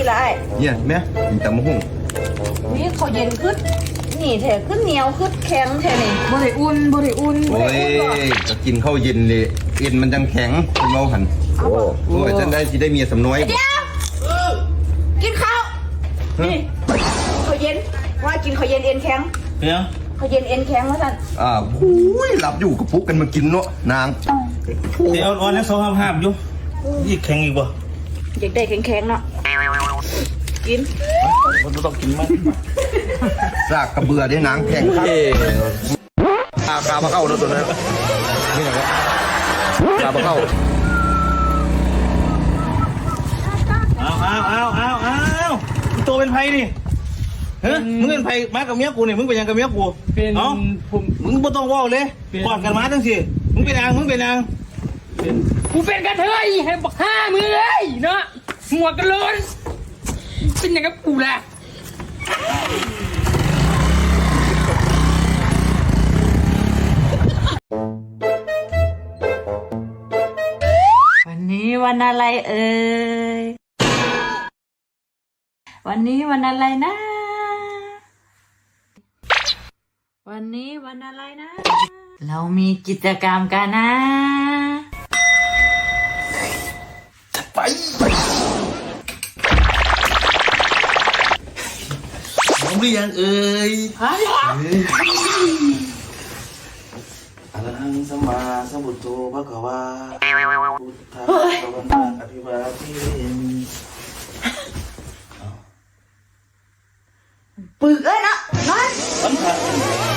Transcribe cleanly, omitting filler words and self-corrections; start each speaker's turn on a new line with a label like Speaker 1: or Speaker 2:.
Speaker 1: กี่ไร
Speaker 2: เนี่ยแม่กินตำมะฮุ่ง
Speaker 1: นี่เขาเย็นขึ้นนี่แถขึ้นเหนียวขึ้นแข็งแถนี่
Speaker 3: บ่ได้อุ่น
Speaker 2: โอ้ยจะกินข้าวเย็นเลยเอ็นมันจังแข็งคุณเมาหันโอ้ยฉันได้สิได้เมียสำน้อย
Speaker 1: เดี๋ยวกินข้าวนี่เขาเย็นว่ากินเขาเย็นเอ็นแข็ง
Speaker 4: เนี่ย
Speaker 1: เขาเย็นเอ็นแข็งว่าท่าน
Speaker 2: หูยหลับอยู่กับปุ๊กกันมากินเนาะนาง
Speaker 4: เดี๋ยวอ่อนแล้ว2 5อยู่ยี่แข็งอีกบ่
Speaker 1: อยากได้แข็งๆเนาะกิน
Speaker 4: มันต้องกินมั้ย
Speaker 2: ซากกระเบือได้นางแข็งครับกาบะเข้าตัวนั้นนี่ไงกาบะเข้า
Speaker 4: เอาตัวเป็นไผนี่เฮ้ยมึงเป็นไผมากับเมียกูนี่มึงเป็นยังกับเมียกูเอ้ามึงบ่ต้องว้าวเลยกอดกันมาจังสิมึงเป็นนาง
Speaker 3: กูเป็นกระเทยให้บักห้ามือเลยเนาะหัวกันเลยเป็นอย่างกับกูแหละ
Speaker 1: วันนี้วันอะไรเอ่ยวันนี้วันอะไรนะ วันนี้วันอะไรนะ เรามีกิจกรรมกันนะ
Speaker 4: ไปน้องหรือยังเอ่ยอะระหังสัมมาสัมพุทโธภะคะวาพุทธังสวรรคังอภิวาเทมิ
Speaker 1: ปึกเอ้ยนะนอน
Speaker 4: สัมผัส